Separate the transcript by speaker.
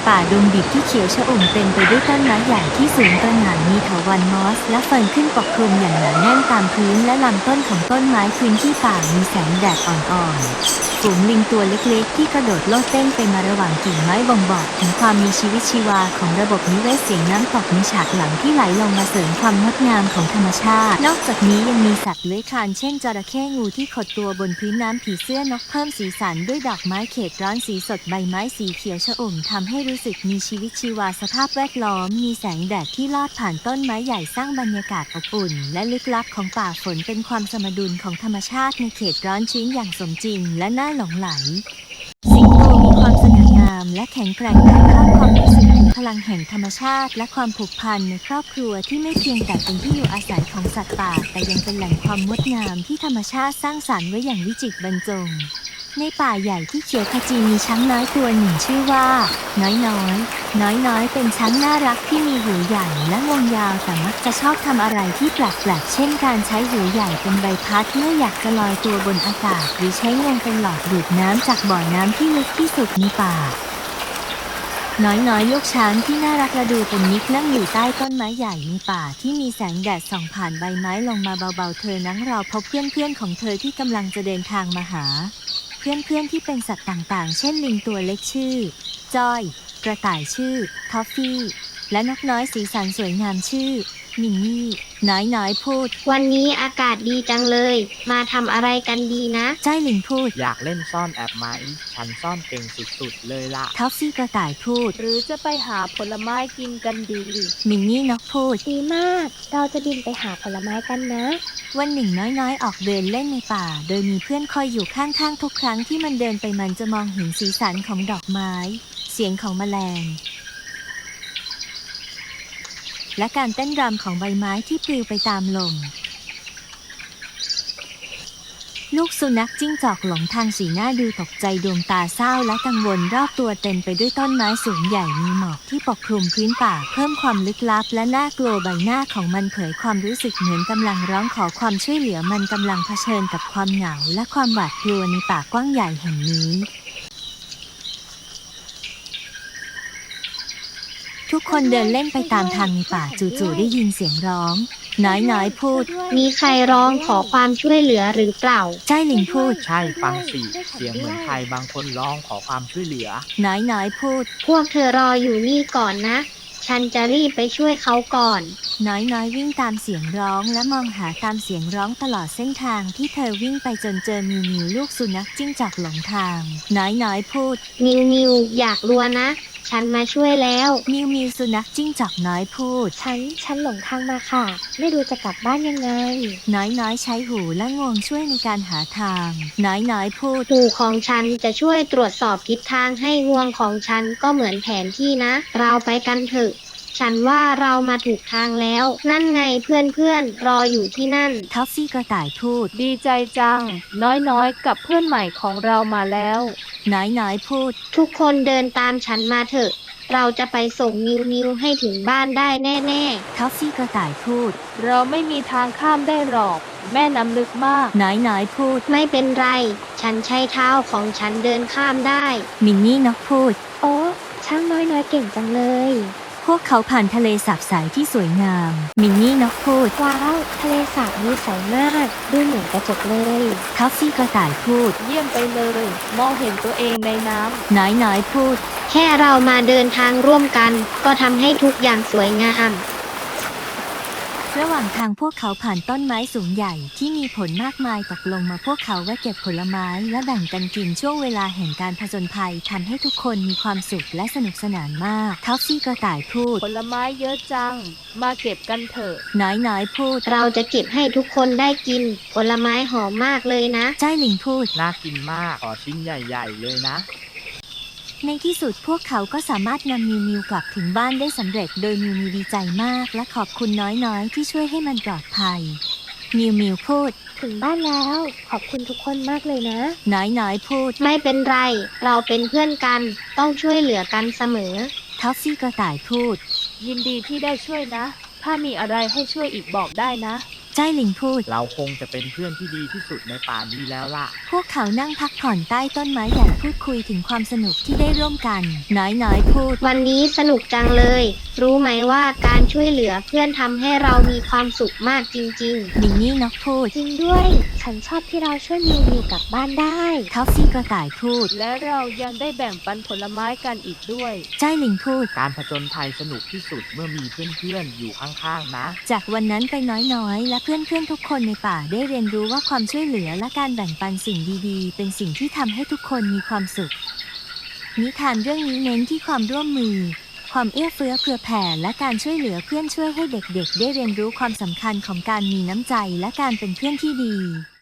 Speaker 1: ป่าดงดิบที่เขียวชอุ่มเต็มไปด้วยต้นไม้ใหญ่ที่สูงตระหง่านมีเถาวัลย์มอสและเฟิร์นขึ้นปกคลุมอย่างหนาแน่นตามพื้นและลำต้นของต้นไม้พื้นที่ป่ามีแสงแดดอ่อนๆฝูงลิงตัวเล็กๆที่กระโดดโลดเต้นไปมาระหว่างกิ่งไม้บ่งบอกถึงความมีชีวิตชีวาของระบบนิเวศเสียงน้ำตกในฉากหลังที่ไหลลงมาเสริมความงดงามของธรรมชาตินอกจากนี้ยังมีสัตว์เลื้อยคลานเช่นจระเข้งูที่ขดตัวบนพื้นน้ำผีเสื้อนกเพิ่มสีสันด้วยดอกไม้เขตร้อนสีสดใบไม้สีเขียวชอุ่มทำให้รู้สึกมีชีวิตชีวาสภาพแวดล้อมมีแสงแดดที่ลอดผ่านต้นไม้ใหญ่สร้างบรรยากาศอบอุ่นและลึกลับของป่าฝนเป็นความสมดุลของธรรมชาติในเขตร้อนชื้นอย่างสมจริงและน่าหลงใหลสิงโตมีความสง่างามและแข็งแกร่งถ่ายทอดความรู้สึกถึงพลังแห่งธรรมชาติและความผูกพันในครอบครัวที่ไม่เพียงแต่เป็นที่อยู่อาศัยของสัตว์ป่าแต่ยังเป็นแหล่งความงดงามที่ธรรมชาติสร้างสรรค์ไว้อย่างวิจิตรบรรจงในป่าใหญ่ที่เขียวขจีมีช้างน้อยตัวหนึ่งชื่อว่าน้อยน้อยเป็นช้างน่ารักที่มีหูใหญ่และงวงยาวแต่มักจะชอบทำอะไรที่แปลกๆเช่นการใช้หูใหญ่เป็นใบพัดเมื่ออยากจะลอยตัวบนอากาศหรือใช้งวงเป็นหลอดดูดน้ำจากบ่อน้ำที่ลึกที่สุดในป่าน้อยลูกช้างที่น่ารักและดูเป็นมิตรนั่งอยู่ใต้ต้นไม้ใหญ่ในป่าที่มีแสงแดดส่องผ่านใบไม้ลงมาเบาๆเธอนั่งรอพบเพื่อนๆของเธอที่กำลังจะเดินทางมาหาเพื่อนที่เป็นสัตว์ต่างๆเช่นลิงตัวเล็กชื่อจ้อยกระต่ายชื่อทอฟฟี่และนกน้อยสีสันสวยงามชื่อมินนี่น้อยพูด
Speaker 2: วันนี้อากาศดีจังเลยมาทำอะไรกันดีนะ
Speaker 1: จ้อยลิงพูด
Speaker 3: อยากเล่นซ่อนแอบไหมฉันซ่อนเก่งสุดๆเลยล่ะ
Speaker 1: ทอฟฟี่กระต่ายพูด
Speaker 4: หรือจะไปหาผลไม้กินกันดี
Speaker 1: มินนี่นกพูด
Speaker 2: ดีมากเราจะบินไปหาผลไม้กันนะ
Speaker 1: วันหนึ่งน้อยออกเดินเล่นในป่าโดยมีเพื่อนคอยอยู่ข้างๆทุกครั้งที่มันเดินไปมันจะมองเห็นสีสันของดอกไม้เสียงของแมลงและการเต้นรำของใบไม้ที่ปลิวไปตามลมลูกสุนัขจิ้งจอกหลงทางสีหน้าดูตกใจดวงตาเศร้าและกังวลรอบตัวเต็มไปด้วยต้นไม้สูงใหญ่มีหมอกที่ปกคลุมพื้นป่าเพิ่มความลึกลับและน่ากลัวใบหน้าของมันเผยความรู้สึกเหมือนกำลังร้องขอความช่วยเหลือมันกำลังเผชิญกับความเหงาและความหวาดกลัวในป่ากว้างใหญ่แห่งนี้ทุกคนเดินเล่นไปตามทางในป่าจู่ๆได้ยินเสียงร้องน้อยพูด
Speaker 2: มีใครร้องขอความช่วยเหลือหรือเปล่า
Speaker 1: จ้อยลิงพูด
Speaker 3: ใช่ฟังสิเสียงเหมือนใครบางคนร้องขอความช่วยเหลือ
Speaker 1: น้อยพูด
Speaker 2: พวกเธอรออยู่นี่ก่อนนะฉันจะรีบไปช่วยเขาก่อน
Speaker 1: น้อยวิ่งตามเสียงร้องและมองหาตามเสียงร้องตลอดเส้นทางที่เธอวิ่งไปจนเจอมิวลูกสุนัขจิ้งจอกหลงทางน้อยพูด
Speaker 2: มิวอยากรัวนะฉันมาช่วยแล้ว
Speaker 1: มิวสุนัขจิ้งจอกน้อยพูด
Speaker 2: ฉันหลงทางมาค่ะไม่รู้จะกลับบ้านยังไง
Speaker 1: น้อยใช้หูและงวงช่วยในการหาทางน้อยพูด
Speaker 2: หูของฉันจะช่วยตรวจสอบทิศทางให้งวงของฉันก็เหมือนแผนที่นะเราไปกันเถอะฉันว่าเรามาถูกทางแล้วนั่นไงเพื่อนรออยู่ที่นั่น
Speaker 1: ทอฟฟี่กระต่ายพูด
Speaker 4: ดีใจจังน้อยกับเพื่อนใหม่ของเรามาแล้ว
Speaker 1: น้อยพูด
Speaker 2: ทุกคนเดินตามฉันมาเถอะเราจะไปส่งมิวให้ถึงบ้านได้แน่
Speaker 1: ทอฟฟี่กระต่ายพูด
Speaker 4: เราไม่มีทางข้ามได้หรอกแม่น้ำลึกมาก
Speaker 1: น้อยพูด
Speaker 2: ไม่เป็นไรฉันใช้เท้าของฉันเดินข้ามได้
Speaker 1: มินนี่นกพูด
Speaker 2: โอ้ช่างน้อยเก่งจังเลย
Speaker 1: พวกเขาผ่านทะเลสาบใสที่สวยงามมินนี่นกพูด
Speaker 2: ว้าวทะเลสาบนี้ใสมากดูเหมือนกระจกเลย
Speaker 1: ทอฟฟี่กระต่ายพูด
Speaker 4: เยี่ยมไปเลยมองเห็นตัวเองในน้
Speaker 1: ำน้อยพูด
Speaker 2: แค่เรามาเดินทางร่วมกันก็ทำให้ทุกอย่างสวยงาม
Speaker 1: ระหว่างทางพวกเขาผ่านต้นไม้สูงใหญ่ที่มีผลมากมายตกลงมาพวกเขาแวะเก็บผลไม้และแบ่งกันกินช่วงเวลาแห่งการผจญภัยทำให้ทุกคนมีความสุขและสนุกสนานมากทอฟฟี่กระต่ายพูด
Speaker 4: ผลไม้เยอะจังมาเก็บกันเถอะ
Speaker 1: น้อยพูด
Speaker 2: เราจะเก็บให้ทุกคนได้กินผลไม้หอมมากเลยนะ
Speaker 1: จ้อยลิงพูด
Speaker 3: น่ากินมากขอชิ้นใหญ่ๆเลยนะ
Speaker 1: ในที่สุดพวกเขาก็สามารถนำมิวกลับถึงบ้านได้สำเร็จโดยมิวดีใจมากและขอบคุณน้อยที่ช่วยให้มันปลอดภัยมิวพูด
Speaker 2: ถึงบ้านแล้วขอบคุณทุกคนมากเลยนะ
Speaker 1: น้อยพูด
Speaker 2: ไม่เป็นไรเราเป็นเพื่อนกันต้องช่วยเหลือกันเสมอ
Speaker 1: ทอฟฟี่กระต่ายพูด
Speaker 4: ยินดีที่ได้ช่วยนะถ้ามีอะไรให้ช่วยอีกบอกได้นะ
Speaker 1: จ้อยหลิงพูด
Speaker 3: เราคงจะเป็นเพื่อนที่ดีที่สุดในป่านี้แล้วล่ะ
Speaker 1: พวกเขานั่งพักผ่อนใต้ต้นไม้ใหญ่พูดคุยถึงความสนุกที่ได้ร่วมกัน น้อยพูด
Speaker 2: วันนี้สนุกจังเลย รู้ไหมว่าการช่วยเหลือเพื่อนทำให้เรามีความสุขมากจริง
Speaker 1: มินนี่นกพูด
Speaker 5: จริงด้วย ฉันชอบที่เราช่วยมิวมิวกลับบ้านได้
Speaker 1: เขาซี่กระต่ายพูด
Speaker 4: และเรายังได้แบ่งปันผลไม้กันอีกด้วย
Speaker 1: จ้อยหลิงพูด
Speaker 3: การผจญภัยสนุกที่สุดเมื่อมีเพื่อนๆอยู่ข้างๆนะ
Speaker 1: จากวันนั้นไปน้อยและเพื่อนๆทุกคนในป่าได้เรียนรู้ว่าความช่วยเหลือและการแบ่งปันสิ่งดีๆ เป็นสิ่งที่ทำให้ทุกคนมีความสุข นิทานเรื่องนี้เน้นที่ความร่วมมือ ความเอื้อเฟื้อเผื่อแผ่และการช่วยเหลือเพื่อนช่วยให้เด็กๆ ได้เรียนรู้ความสำคัญของการมีน้ำใจและการเป็นเพื่อนที่ดี